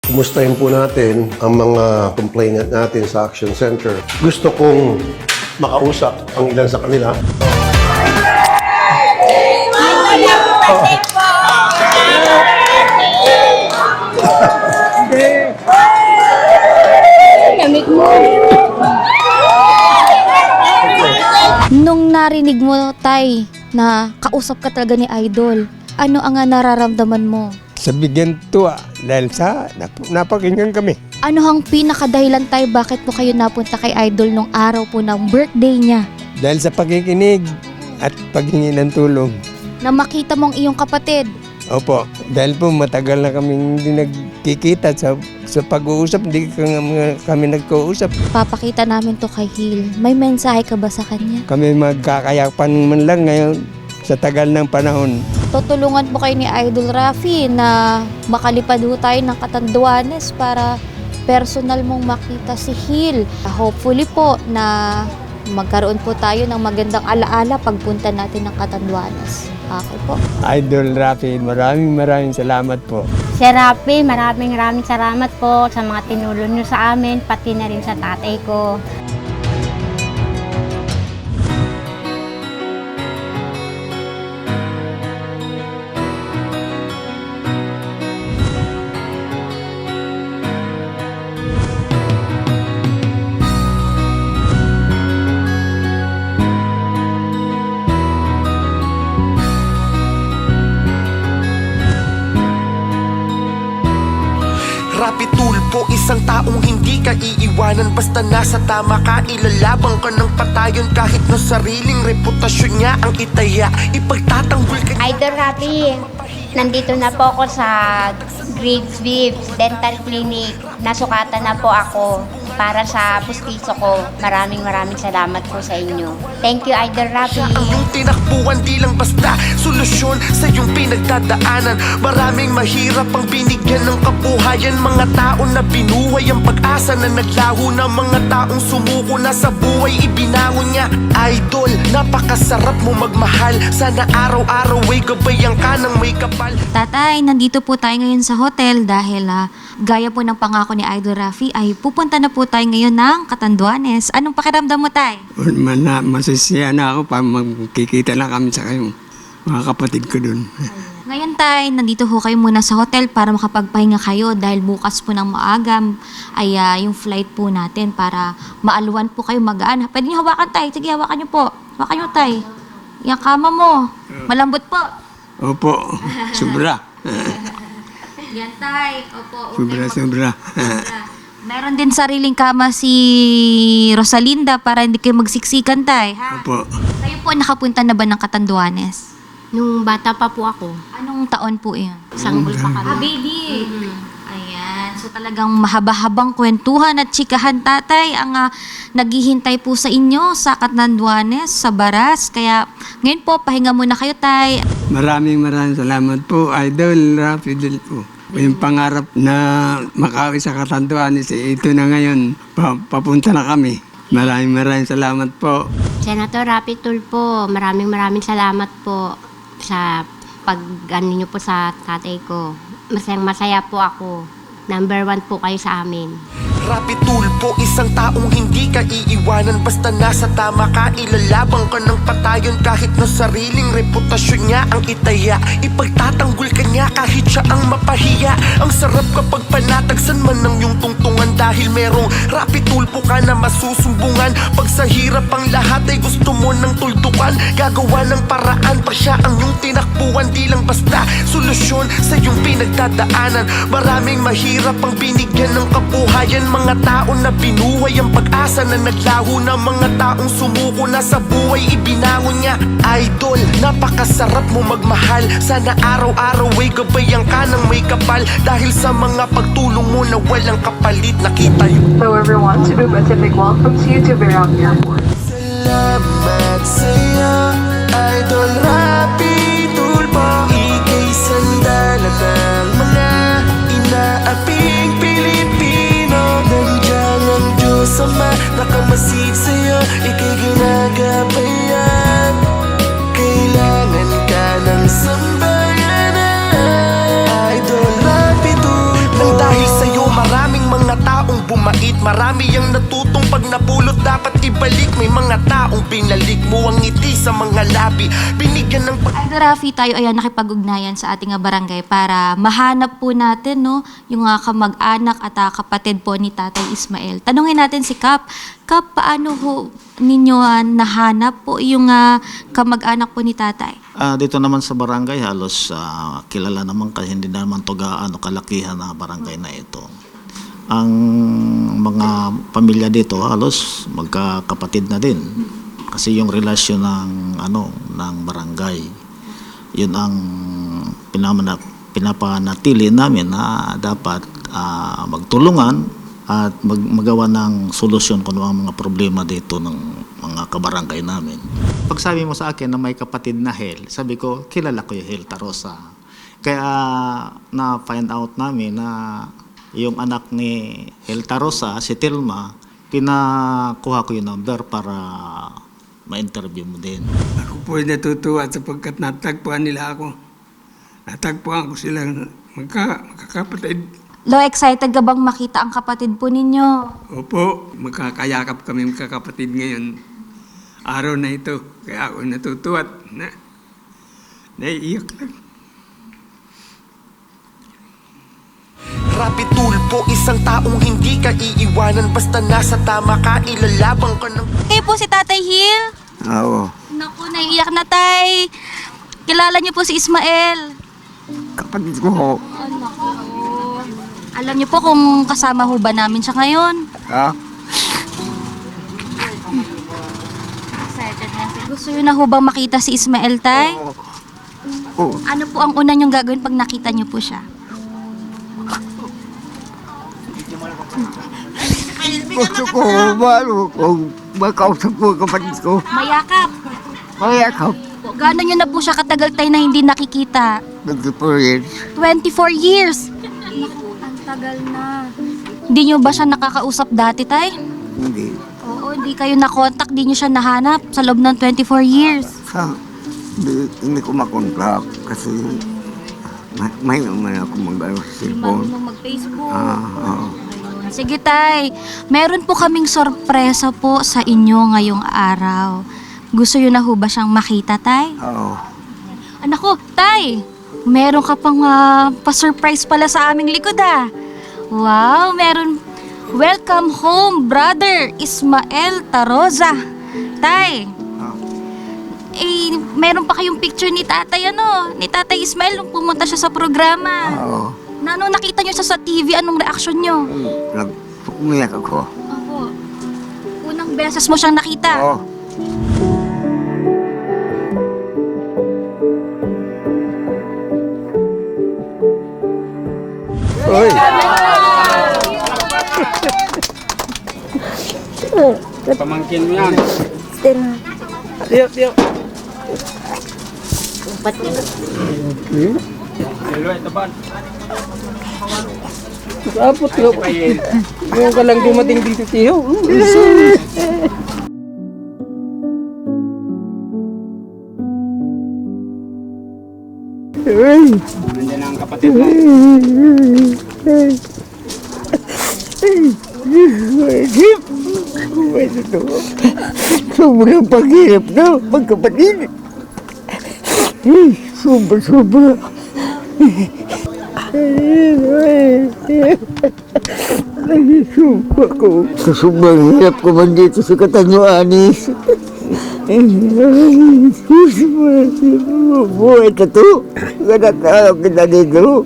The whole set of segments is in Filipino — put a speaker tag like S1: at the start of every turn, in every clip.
S1: kumustahin po natin ang mga complainant natin sa Action Center. Gusto kong makausap ang ilan sa kanila.
S2: Nung narinig mo, Tay, na kausap ka talaga ni Idol, ano ang nararamdaman mo?
S3: Sa bigyan tuwa dahil sa napakinggan kami.
S2: Ano ang pinakadahilan, Tay, bakit po kayo napunta kay Idol nung araw po ng birthday niya?
S3: Dahil sa pakikinig at paghingi ng tulong.
S2: Na makita mong iyong kapatid.
S3: Opo, dahil po matagal na kami hindi nagkikita sa pag-uusap, hindi kami nagkausap.
S2: Papakita namin to kay Hil. May mensahe ka ba sa kanya?
S3: Kami magkakayapan man lang ngayon sa tagal ng panahon.
S2: Tutulungan po kayo ni Idol Rafi na makalipad ho tayo ng Catanduanes para personal mong makita si Hil. Hopefully po na magkaroon po tayo ng magandang alaala pagpunta natin ng Catanduanes. Okay po.
S3: Idol Rafi, maraming salamat po.
S4: Sir Rafi, maraming salamat po sa mga tinulong nyo sa amin, pati na rin sa tatay ko.
S5: Rapi Tulpo, isang taong hindi ka iiwanan. Basta nasa tama ka, ilalabang ka ng patayon. Kahit na sariling reputasyon niya ang itaya, ipagtatanggol ka niya.
S4: Idol Rafi, nandito na po ako sa Graves Vives Dental Clinic. Nasukatan na po ako para sa pustiso ko. Maraming salamat po sa inyo. Thank you, Idol Rafi.
S5: Ang iyong tinakbuhan di lang basta solusyon sa iyong pinagdadaanan. Maraming mahirap ang binigyan ng kabuhayan. Mga tao na binuhay ang pag-asa na naglaho na. Mga taong sumuko na sa buhay ibinangon niya. Idol, napakasarap mo magmahal. Sana araw-araw ay gabayan ka ng may kapal.
S2: Tatay, nandito po tayo ngayon sa hotel dahil gaya po ng pangako ni Idol Rafi ay pupunta na po tayo ngayon ng Catanduanes. Anong pakiramdam mo, Tay?
S3: Masasaya na ako pa magkikita lang kami sa kayo, mga kapatid ko dun.
S2: Ngayon, Tay, nandito ho kayo muna sa hotel para makapagpahinga kayo dahil bukas po ng maagam ay yung flight po natin para maaluan po kayo magaan. Pwede niyo hawakan, Tay. Sige, hawakan niyo po. Hawakan niyo, Tay. Yung kama mo. Malambot po.
S3: Opo, sobra.
S2: Yan, Tay. Opo.
S3: Sobra.
S2: Meron din sariling kama si Rosalinda para hindi kayo magsiksikan, Tay. Ha?
S3: Opo.
S2: Kayo po nakapunta na ba ng Catanduanes?
S4: Nung bata pa po ako,
S2: Anong taon po yun?
S4: sanggol pa kami.
S2: Baby! Ayan. So talagang mahaba-habang kwentuhan at chikahan, Tatay, ang naghihintay po sa inyo sa Catanduanes, sa Baras. Kaya ngayon po, pahinga muna kayo, Tay.
S3: Maraming salamat po, Idol Rafi Del po. Yung pangarap na makauwi sa Catanduanes, ito na ngayon, papunta na kami. Maraming salamat po.
S4: Senator Rapi Tulfo, maraming salamat po sa pag-ano niyo po sa tatay ko. Masaya po ako. Number 1 po kayo sa amin.
S5: Rapi Tulfo, isang taong hindi ka iiwanan. Basta nasa tama ka, ilalabang ka ng patayon. Kahit na sariling reputasyon niya ang itaya, ipagtatanggol ka niya kahit siya ang mapahiya. Ang sarap kapag panatagsan man ng iyong tungtungan. Dahil merong Rapi Tulfo ka na masusumbungan. Pag sa hirap ang lahat ay gusto mo ng tuldukan, gagawa ng paraan pa siya ang iyong tinakbuhan. Di lang basta solusyon sa iyong pinagdadaanan. Maraming mahirap ang binigyan ng kabuhayan. Mga tao na binuhay ang pag-asa na naglaho na. Mga taong sumuko na sa buhay ibinangon niya. Idol, napakasarap mo magmahal. Sana araw-araw ay gabayan ka ng may kapal. Dahil sa mga pagtulong mo na walang kapalit, nakita yun.
S6: Hello everyone, Cebu Pacific welcomes you to Verang Airport.
S5: Salamat sa'yo, Idol Rapi Tulfo. Ika'y sandalan ng mga inaaping Pilipino. Nandiyan ang Diyos Ama, nakamasid sa'yo, ika'y ginagabayan. Kailangan ka ng sambayanan, Idol Rapi Tulfo. Nang dahil sa'yo marami ang natutong pag napulot dapat ibalik. May mga taong binalik mo ang ngiti sa mga labi, binigyan ng
S2: Idol Rafi, tayo ayan nakipag-ugnayan sa ating barangay para mahanap po natin no, yung kamag-anak at kapatid po ni Tatay Ismael. Tanungin natin si Kap. Kap, paano ho ninyo nahanap po yung kamag-anak po ni Tatay?
S7: Dito naman sa barangay halos kilala naman kasi hindi naman to gaano kalakihan na barangay na ito. Ang mga pamilya dito halos magkakapatid na din. Kasi yung relasyon ng ng barangay, yun ang pinapanatili namin na dapat magtulungan at magawa ng solusyon kung ano ang mga problema dito ng mga kabarangay namin. Pag sabi mo sa akin na may kapatid na Hel, sabi ko, kilala ko yung Hel Tarosa. Kaya na-find out namin na yung anak ni Hel Tarosa, si Tilma, pinakuha ko yung number para ma-interview mo din.
S3: Ako po ay natutuwa sapagkat natagpuan nila ako. Natagpuan ko silang magkakapatid.
S2: Lo, excited ka bang makita ang kapatid po ninyo?
S3: Opo, magkakayakap kami magkakapatid ngayon. Araw na ito, kaya ako natutuwa at naiiyak lang.
S5: Rapi Tulpo, isang taong hindi ka iiwanan basta nasa tama ka, ilalabang ka ng
S2: Kayo po si Tatay Hil?
S3: Oo.
S2: Naku, naiiyak na tay. Kilala niyo po si Ismael.
S3: Kapatid ko.
S2: Alam niyo po kung kasama ho ba namin siya ngayon?
S3: Ha?
S2: Excited na siya. Gusto niyo na ho bang makita si Ismael, tay?
S3: Oo.
S2: Ano po ang una niyong gagawin pag nakita niyo po siya?
S3: Gusto ko, kung makausap ko kapatid ko.
S2: Mayakap.
S3: Mayakap.
S2: Gano'n niyo na po siya katagal tay na hindi nakikita?
S3: 24 years.
S2: 24 years. Ang tagal na. Hindi niyo ba siya nakakausap dati, tay?
S3: Hindi.
S2: Oo, hindi kayo nakontak, hindi niyo siya nahanap sa loob ng 24 years.
S3: Hindi ko makontak kasi may naman ako mag-ano sa cellphone.
S2: mag-Facebook.
S3: Oo.
S2: Sige, tay. Meron po kaming sorpresa po sa inyo ngayong araw. Gusto niyo na ho ba siyang makita, tay?
S3: Oo.
S2: Anak ko, tay! Meron ka pang pa-surprise pala sa aming likod, Wow, meron. Welcome home, brother Ismael Tarosa. Tay, meron pa kayong picture ni tatay, ni Tatay Ismael nung pumunta siya sa programa.
S3: Oo.
S2: Nung nakita niyo siya sa TV, anong reaksyon niyo?
S3: Umiyak ako.
S2: Ako, unang beses mo siyang nakita.
S3: Oo.
S1: Oy!
S3: Pamangkin mo yan.
S8: Kapot ko. Yung ka lang dumating dito siyo.
S3: Nandiyan ang kapatid mo.
S8: Sobrang paghirap na magkapatid. Sobra. Nagsusumpa ko. Sa sobrang hirap ko man dito sa Katanyoanis. Buhay ka to. Ganatalaw kita dito.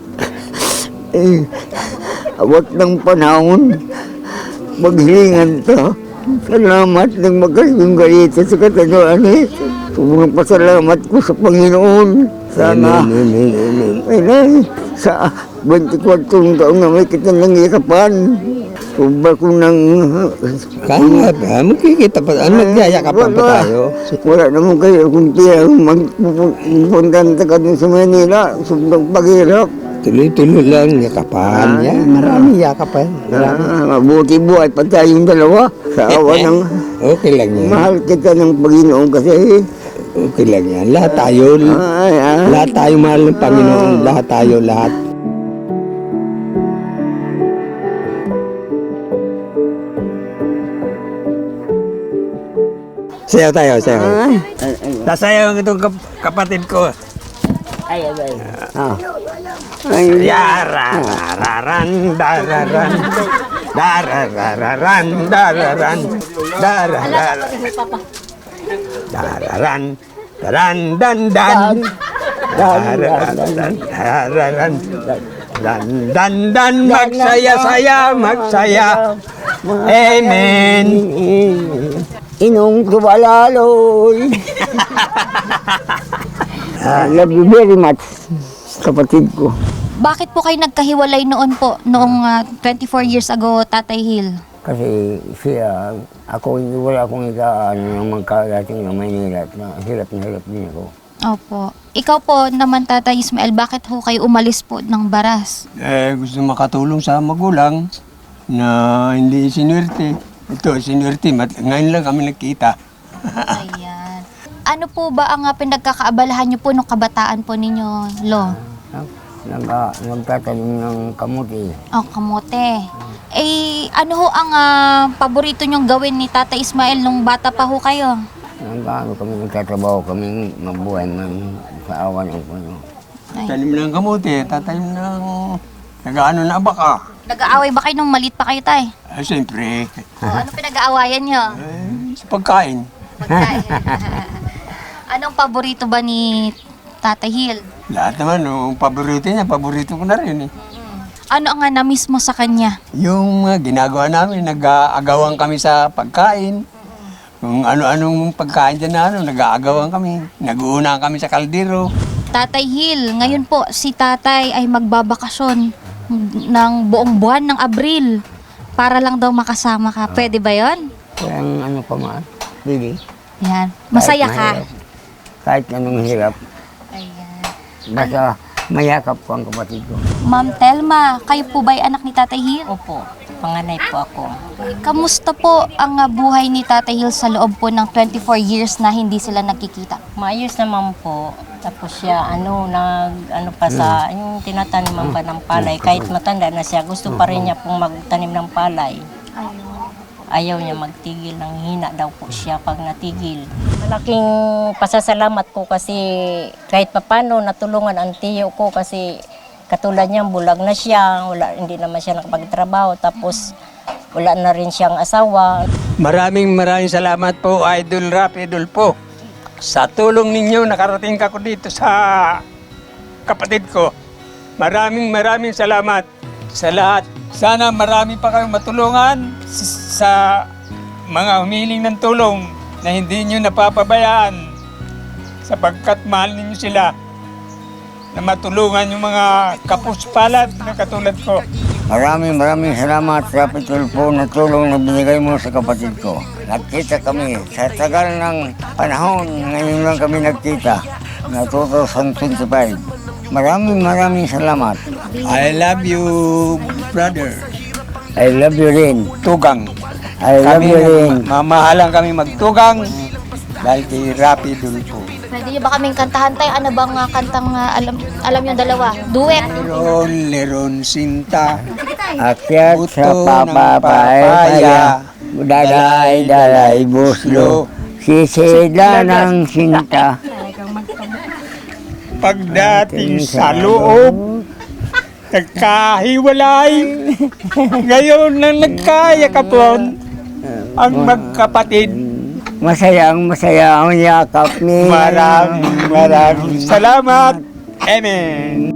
S8: Awat ng panahon. Maghilingan to. Salamat ng magkasing galita sa Katanyoanis. Sobrang pasalamat ko sa Panginoon. Sana. Ay, sa 24 taong na may kita nang ikapan. Sobra ko nang...
S9: Kaya ba? Magkikita pa. Magyayakapan pa tayo.
S8: Wala naman kayo kung tiya magpupunta ka dun sa Manila. Sobrang paghirap.
S9: Tuloy-tuloy lang, yakapan. Yan, maraming yakapan. Marami.
S8: Mabuti buhay pa tayong dalawa. Sa awa ng...
S9: Okay lang yan.
S8: Mahal kita ng Panginoon kasi...
S9: Okay lang yan. Lahat tayo. Lahat tayo mahal ng Panginoon. Lahat tayo, lahat. Sayaw tayo, sayaw.
S3: Sasayaw itong kapatid ko.
S8: Ah. Ay,
S3: Yararararan, dararan, dararararan, dararan, darararan, dararan, daran, dan, dan, dararan, dan, magsaya-saya, magsaya. Amen.
S8: Inong tumalaloy. Love you very much, kapatid ko.
S2: Bakit po kayo nagkahiwalay noon po, noong 24 years ago, Tatay Hill?
S8: Kasi siya, ako wala akong ano ng magkarating ng Maynila at hirap na hirap din ako.
S2: Opo. Ikaw po naman, Tatay Ismael, bakit ho kayo umalis po ng Baras?
S3: Gusto makatulong sa magulang na hindi sinwerte. Ito, sinwerte. Ngayon lang kami nagkita.
S2: Ayan. Ano po ba ang pinagkakaabalahan niyo po nung kabataan po ninyo, Lo?
S8: Nagtatanim ng kamuti.
S2: Oh, kamote. Eh, ano ho ang paborito niyong gawin ni Tatay Ismael nung bata pa ho kayo?
S8: Nagkaano kami, nagtatrabaho kami mabuhay man sa awan ng Panginoon.
S3: Tanim ng kamote, tatanim ng nag-ano na baka.
S2: Nag-aaway ba kayo nung maliit pa kayo, Tay?
S3: Siyempre,
S2: Ano pinag-aawayan niyo?
S3: sa pagkain.
S2: Pagkain. Anong paborito ba ni Tatay Hill?
S3: Lahat naman, yung paborito niya, paborito ko na rin eh.
S2: Ano ang na-miss mo sa kanya?
S3: Yung ginagawa namin, nag-aagawan kami sa pagkain. Kung ano-anong pagkain dyan na nag-aagawan kami. Nag-uuna kami sa kaldero.
S2: Tatay Hill, ngayon po si Tatay ay magbabakasyon ng buong buwan ng Abril para lang daw makasama ka. Pwede ba yon?
S8: Walang ano pa man, Lili.
S2: Yan. Masaya
S8: Kahit
S2: ka?
S8: mahirap. Kahit anong hirap,
S2: Ayan.
S8: basta mayakap ko ang kapatid ko.
S2: Ma'am Telma, kayo po ba ay anak ni Tatay Hill?
S10: Opo, panganay po ako.
S2: Kamusta po ang buhay ni Tatay Hill sa loob po ng 24 years na hindi sila nagkikita?
S10: Maayos naman po. Tapos siya, pa sa, yung tinataniman pa ng palay. Kahit matanda na siya, gusto pa rin niya pong magtanim ng palay. Ayaw niya magtigil, ng hina daw po siya pag natigil. Malaking pasasalamat ko kasi kahit papano natulungan ang tiyo ko kasi katulad niya, bulag na siya, hindi naman siya nakapagtrabaho. Tapos wala na rin siyang asawa.
S3: Maraming salamat po, Idol Rap, Idol po. Sa tulong ninyo, nakarating ako dito sa kapatid ko. Maraming salamat sa lahat. Sana marami pa kayong matulungan sa mga humiling ng tulong na hindi nyo napapabayaan sapagkat mahal ninyo sila na matulungan yung mga kapuspalad na katulad ko.
S8: Maraming salamat sa pitulpo na tulong na binigay mo sa kapatid ko. Nagkita kami sa tagal ng panahon, ngayon lang kami nagkita na 2025. Maraming salamat.
S3: I love you, brother.
S8: I love you rin.
S3: Tugang.
S8: I love you rin.
S3: Mamahalang kami magtugang dahil kay Rapi Dulpo.
S2: Pwede niyo ba kaming kantahan, Tay? Ano bang kantang alam yung dalawa? Duet.
S3: Leron sinta.
S8: Akyat sa
S3: Buto ng
S8: papapaya, dalay buslo, sisida ng sinta.
S3: Pagdating sa loob, nagkahiwalay. Ngayon nang nagkayakapon ang magkapatid.
S8: Masaya ang yakap ni.
S3: Maraming salamat. Amen.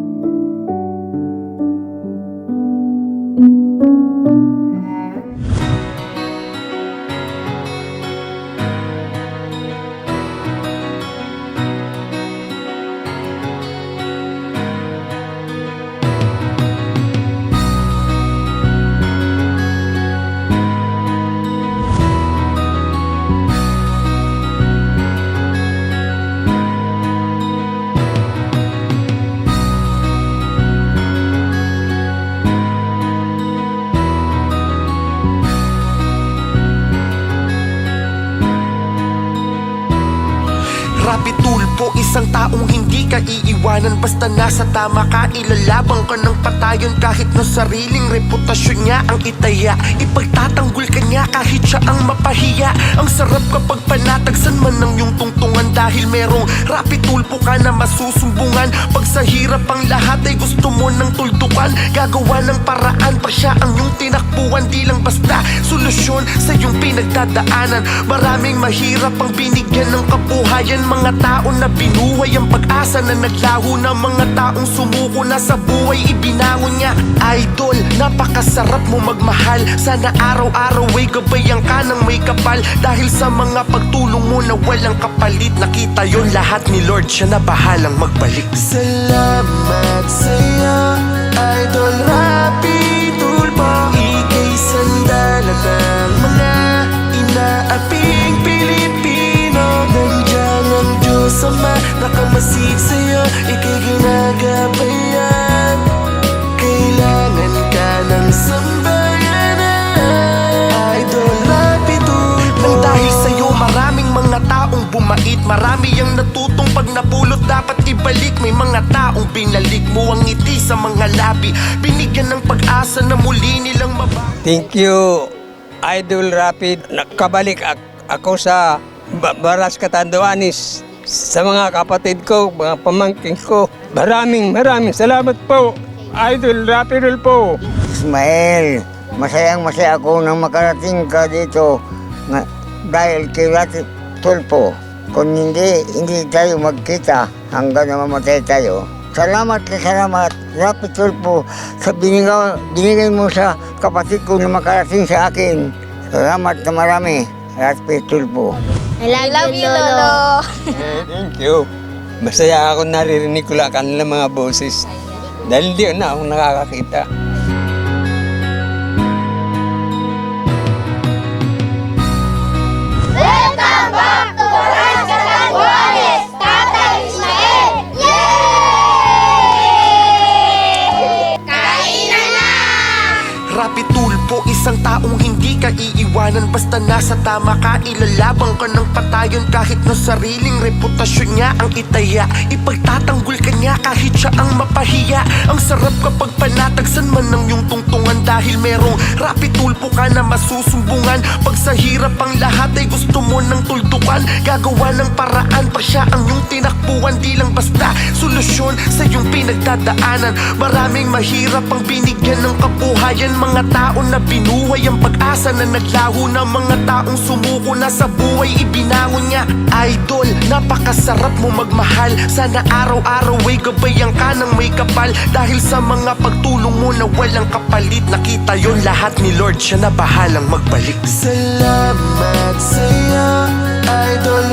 S5: Rapi Tulpo, isang taong hindi hindi ka iiwanan. Basta nasa tama ka, ilalabang ka ng patayon. Kahit na sariling reputasyon niya ang itaya, ipagtatanggol ka niya kahit siya ang mapahiya. Ang sarap kapag panatagsan man ng iyong tungtungan, dahil merong rapid tulpo ka na masusumbungan. Pag sa hirap ang lahat ay gusto mo ng tuldukan, gagawa ng paraan pa siya ang iyong tinakbuhan. Di lang basta solusyon sa iyong pinagdadaanan. Maraming mahirap ang binigyan ng kabuhayan. Mga tao na binuhay ang pag-asa na naglaho na. Mga taong sumuko na sa buhay ibinangon niya. Idol, napakasarap mo magmahal. Sana araw-araw ay gabayan ka ng may kapal. Dahil sa mga pagtulong mo na walang kapalit, nakita yon lahat ni Lord, siya na bahalang magbalik. Salamat sa'yo, Idol Rapi Tulpo. Ika'y sandala ng mga inaaping Pilipino. Nandiyan ang Diyos Ama, nakamasid sa'yo, ika'y ginagabayan. Kailangan ka ng sambayanan, Idol Rapi Tulpo. Nang dahil sa'yo maraming mga taong bumait, marami ang natutong pag napulot dapat ibalik. May mga taong binalik mo ang ngiti sa mga labi, binigyan ng pag-asa na muli nilang mabago.
S3: Thank you, Idol Rapid. Nakabalik ako sa Baras Catanduanes, sa mga kapatid ko, mga pamangkin ko. Maraming salamat po, Idol Rapid po.
S8: Ismael, masayang-masaya ako nang makarating ka dito dahil kay Rapi Tulpo. Kung hindi tayo magkita hanggang na mamatay tayo. Salamat, Rapi Tulpo, sa binigay mo sa kapatid ko na makarating sa akin. Salamat na marami, Rapi Tulpo.
S2: I love you, Lolo.
S3: Thank you. Masaya ako naririnig ko lang kanilang mga boses. Dahil di na ako nakakakita.
S2: Welcome back to Baras Catanduanes, Tatay Ismael! Yay! Kainan na!
S5: Rapi Tulpo, isang taong hindi ka iiwanan. Basta nasa tama ka, ilalabang ka ng patayon. Kahit na sariling reputasyon niya ang itaya, ipagtatanggol ka niya kahit siya ang mapahiya. Ang sarap kapag panatagsan man ng iyong tungtungan, dahil merong Rapi Tulpo ka na masusumbungan. Pag sa hirap ang lahat ay gusto mo ng tuldukan, gagawa ng paraan pa siya ang iyong tinakbuhan. Di lang basta solusyon sa iyong pinagdadaanan. Maraming mahirap ang binigyan ng kabuhayan. Mga tao na binuhay ang pag-asa na naglaho na. Mga taong sumuko na sa buhay ibinangon niya. Idol, napakasarap mo magmahal. Sana araw-araw ay gabayan ka ng may kapal. Dahil sa mga pagtulong mo na walang kapalit, nakita yon lahat ni Lord, siya na bahalang magbalik. Salamat sa'yo, Idol